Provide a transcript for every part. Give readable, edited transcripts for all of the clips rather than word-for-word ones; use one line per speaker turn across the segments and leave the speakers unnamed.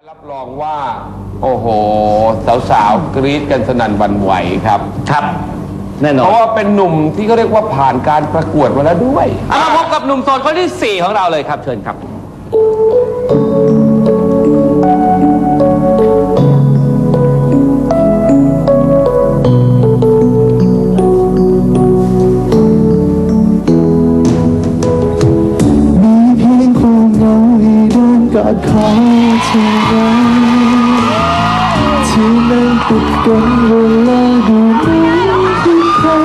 รับรองว่าโอ้โหสาวๆกรี๊ดกันสนั่นหวั่นไหวครับ
ครับแน่นอน
เพราะว่าเป็นหนุ่มที่เขาเรียกว่าผ่านการประกวดมาแล้วด้วย
มาพบกับหนุ่มโสดคนที่4ของเราเลยครับเชิญครับ
มีเพียงความเหงาให้เดินกอดคอเธอไว้ที่นั่งติดกันเวลาดูหนังที่ใคร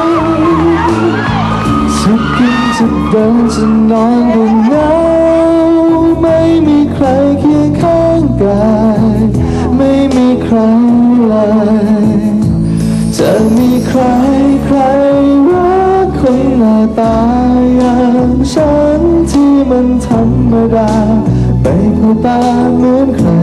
จะกินจะเดินจะนอนก็เหงาไม่มีใครเคียงข้างกายไม่มีใครเลยจะมีใครรักคนหน้าตาอย่างฉันที่มันธรรมดาไปเข้าตาเหมือนใคร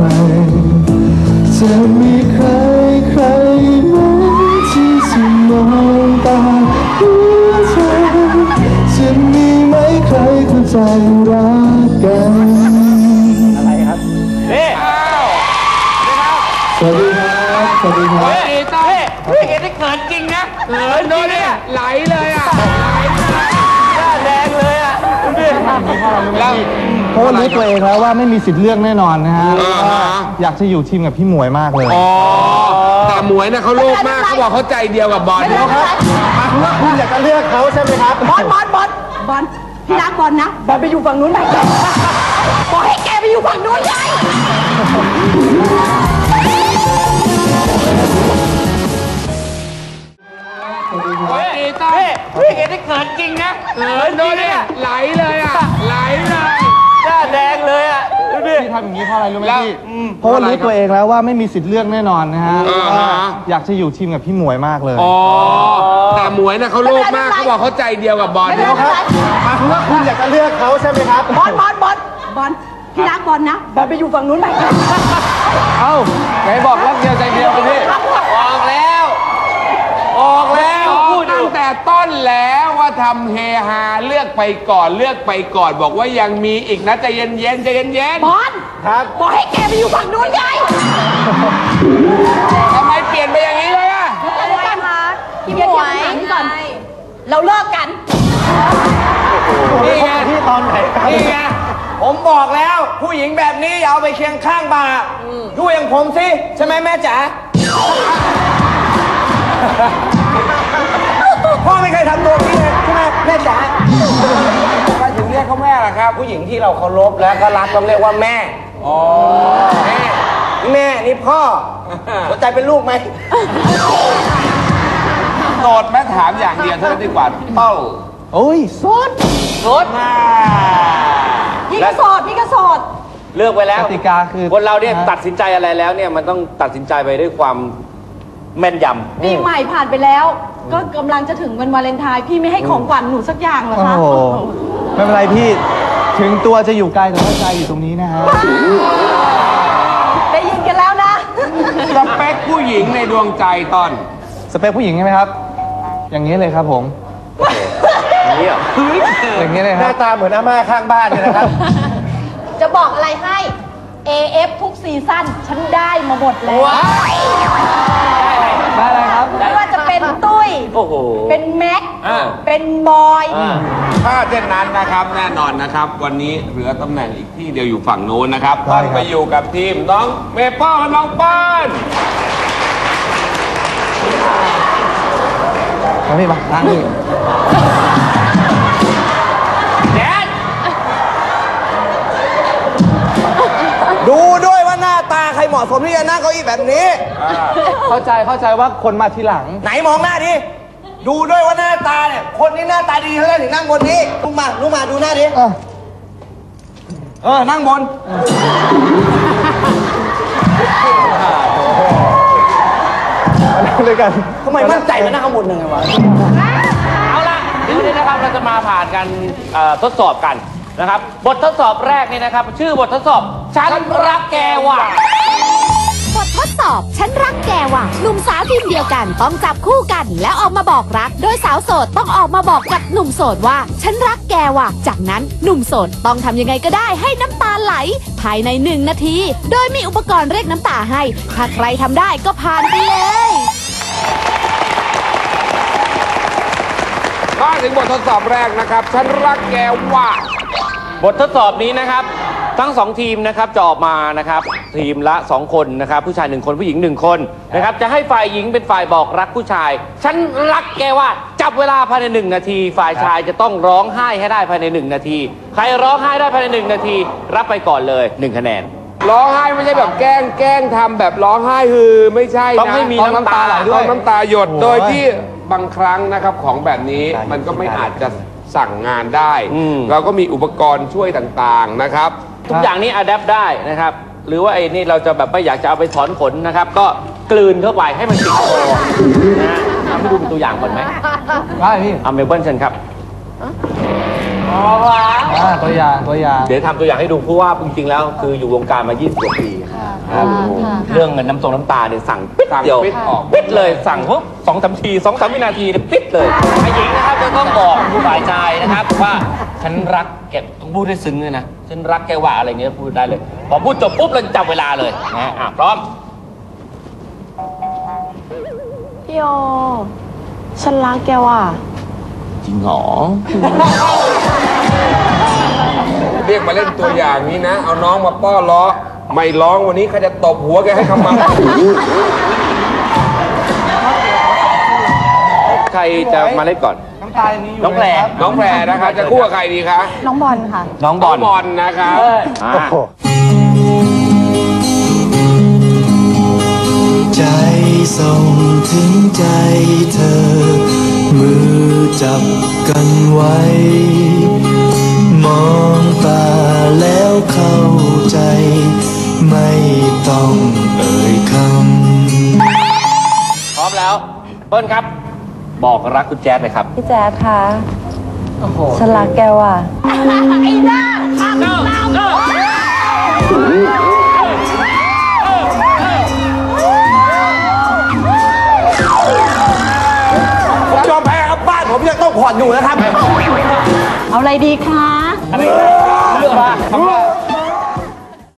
จะมีใครไหมที่จะมองตาหัวใจจะมีไหมใครเข้าใจรักกันอะไรครับสวัสดีครับสวัสดีครับ
พี่เห็นได้เขินจริงนะเขินด้วยเนี่ย
ไหลเลยอ่ะ
หน้าแดงเลยอ่ะ
แล้วเพราะว่ารู้ตัวเองแล้วว่าไม่มีสิทธิ์เลือกแน่นอนนะฮะอยากจะอยู่ทีมกับพี่หมวยมากเลย
แต่หมวยนะเขาโลภมากเขาบอกเขาใจเดียวกับบอล
ครับว่าคุณอยากจะเลือกเขาใช่ไหมครับ
บอลพี่รักบอลนะบอลไปอยู่ฝั่งนู้นไปบอกให้แกไปอยู่ฝั่งนู้นไง
พี่เห็นได้เขินจริงนะเขินด้วยเนี่ย
ไหลเลยอ่ะไหลเลย
หน้าแดงเลยอ่ะ
พี่ทำอย่างนี้เพราะอะไรรู้ไหมพี่เพราะว่ารู้ตัวเองแล้วว่าไม่มีสิทธิ์เลือกแน่นอนนะฮะอยากจะอยู่ทีมกับพี่หมวยมากเลย
แต่หมวยนะเขาโลภมากเขาบอกเขาใจเดียวกับบอล
ครับว่าคุณอยากจะเลือกเขาใช่ไหมครับ
บอลพี่รักบอลนะบอลไปอยู่ฝั่งนู้นไป
เอ้าไหนบอกรักเดียวใจเดียวไปพี่
ออกแล้ว
พูดตั้งแต่ต้นแล้วว่าทำเฮฮาเลือกไปก่อนบอกว่ายังมีอีกนะใจเย็น
บอล
ครับ
บอกให้แกไปอยู่ฝั่งนู้นไง
ทำไมเปลี่ยนไปอย่างนี้เลยอะ
อะไรกันคะพี่หมวยก่อนเราเลิกกัน
นี่ไงที่ตอนไหน
นี่ไงผมบอกแล้วผู้หญิงแบบนี้อย่าเอาไปเคียงข้างบ่าดูอย่างผมสิใช่ไหมแม่จ๋าพ่อไม่เคยทำตัวนี้เลยใช่ไหมแม่จ๋า
ทำไมถึงเรียกเขาแม่ล่ะครับ
ผู้หญิงที่เราเคารพและก็รักต้องเรียกว่าแม่แม่นี่พ่อหัวใจเป็นลูกไหม
โสดแม่ถามอย่างเดียวเท่านั้นดีกว่าเต้า
โอ้ยโสด
พี่ก็โสด
เลือกไปแล้ว
กติกาคือ
คนเราเนี่ยตัดสินใจอะไรแล้วเนี่ยมันต้องตัดสินใจไปด้วยความแม่นยำ
ปีใหม่ผ่านไปแล้วก็กำลังจะถึงวันวาเลนไทน์พี่ไม่ให้ของขวัญหนูสักอย่างเหรอคะ
ไม่เป็นไรพี่ถึงตัวจะอยู่ไกลแต่ว่าใจอยู่ตรงนี้นะฮะ
ได้ยินกันแล้วนะ
สเปคผู้หญิงในดวงใจต้น
สเปคผู้หญิงใช่ไหมครับอย่างนี้เลยครับผม
อย่างนี้เหรอ
อย่างนี้เลยครับ
หน้าตาเหมือนอาม่าข้างบ้านเลยนะครับ
จะบอกอะไรให้ AF ทุกซีซั่นฉันได้มาหมดแล้ว
ได้อะไรครับ
ไม่ว่าจะเป็นตุ้ยเป็นแม็กเป็นบอย
ถ้าเช่นนั้นนะครับแน่นอนนะครับวันนี้เหลือตำแหน่งอีกที่เดียวอยู่ฝั่งโน้นนะครับต้องไปอยู่กับทีมน้องเมเปิ้ลและน้องป้าน
มาพี่มาทางนี้
ดูด้วยว่าหน้าตาใครเหมาะสมที่จะนั่งเก้าอี้แบบนี้
เข้าใจว่าคนมาทีหลัง
ไหนมองหน้าดิดูด้วยว่าหน้าตาเนี่ยคนนี้หน้าตาดีเท่านั้นถึงนั่งบนนี้ลุกมาดูหน้าดินั่งบน
เลยกัน
ทำไมมั่นใจมานั่งข้างบนยังไงวะเอาล่ะเดี๋ยวนี้นะครับเราจะมาผ่านกันทดสอบกันนะครับบททดสอบแรกนี่นะครับชื่อบททดสอบฉันรักแกว่ะ
บททดสอบอบฉันรักแกว่ะหนุ่มสาวทีมเดียวกันต้องจับคู่กันแล้วออกมาบอกรักโดยสาวโสดต้องออกมาบอกกับหนุ่มโสดว่าฉันรักแกว่ะจากนั้นหนุ่มโสดต้องทำยังไงก็ได้ให้น้ำตาไหลภายใน1 นาทีโดยมีอุปกรณ์เรียกน้ำตาให้ถ้าใครทำได้ก็ผ่านไปเลย
มาถึงบททดสอบแรกนะครับฉันรักแกว่า
บททดสอบนี้นะครับทั้ง2ทีมนะครับจะออกมานะครับทีมละ2คนนะครับผู้ชาย1คนผู้หญิง1คนนะครับจะให้ฝ่ายหญิงเป็นฝ่ายบอกรักผู้ชายฉันรักแกว่าจับเวลาภายใน1 นาทีฝ่ายชายจะต้องร้องไห้ให้ได้ภายใน1 นาทีใครร้องไห้ได้ภายใน1 นาทีรับไปก่อนเลย1 คะแนน
ร้องไห้ไม่ใช่แบบแกล้งทำแบบร้องไห้ไม่ใช่นะ
ต้องให้มีน้ำตาไหลด้วย
ต้องน้ำตาหยดโดยที่บางครั้งนะครับของแบบนี้มันก็ไม่อาจจะสั่งงานได้เราก็มีอุปกรณ์ช่วยต่างๆนะครับ
ทุกอย่างนี้อัดแอปได้นะครับหรือว่าไอ้นี่เราจะแบบไม่อยากจะเอาไปถอนขนนะครับก็กลืนเข้าไปให้มันติดคอนะฮะทำให้ดูเป็นตัวอย่างก่อนไหม
ได้พี่
เอาเมลเบิร์นเชิญครับ
ตัวอย่าง
เดี๋ยวทำตัวอย่างให้ดูเพราะว่าจริงๆแล้วคืออยู่วงการมา20 กว่าปีเรื่องเงินน้ำตาเนี่ยสั่งปิดเดียวปิดเลยสั่งปุ๊บ2-3 ที2-3 วินาทีเนี่ยปิดเลยไอ้หญิงนะครับจะต้องบอกผู้ฝ่ายชายนะครับว่าฉันรักแกต้องพูดให้ซึ้งเลยนะฉันรักแกว่าอะไรเงี้ยพูดได้เลยพอพูดจบปุ๊บเราจับเวลาเลยนะพร้อม
พี่โอฉันรักแกว่ะ
จริงหรอ
เรียกมาเล่นตัวอย่างนี้นะเอาน้องมาป้อล้อไม่ร้องวันนี้ใครจะตบหัวแกให้คำมา
ใครจะมาเล่นก่อนน้องแพร
นะคะจะคู่กับใครดีคะ
น้องบอลค่ะ
น้องบอล
นะคะ
ใจส่งถึงใจเธอมือจับกันไว้มองตาแล้วเข้าใจไม่ต้องเอ่ยค
ำพร้อมแล้วเปิ้ลครับบอกรักคุณแจ๊ดเลยครับ
พี่แจ๊ดคะฉันรักแกว่ะไอ้หน้า
ผมยอมแพ้ครับบ้านผมยังต้องผ่อนอยู่นะครับ
เอาอะไรดีคะ
เลือกมา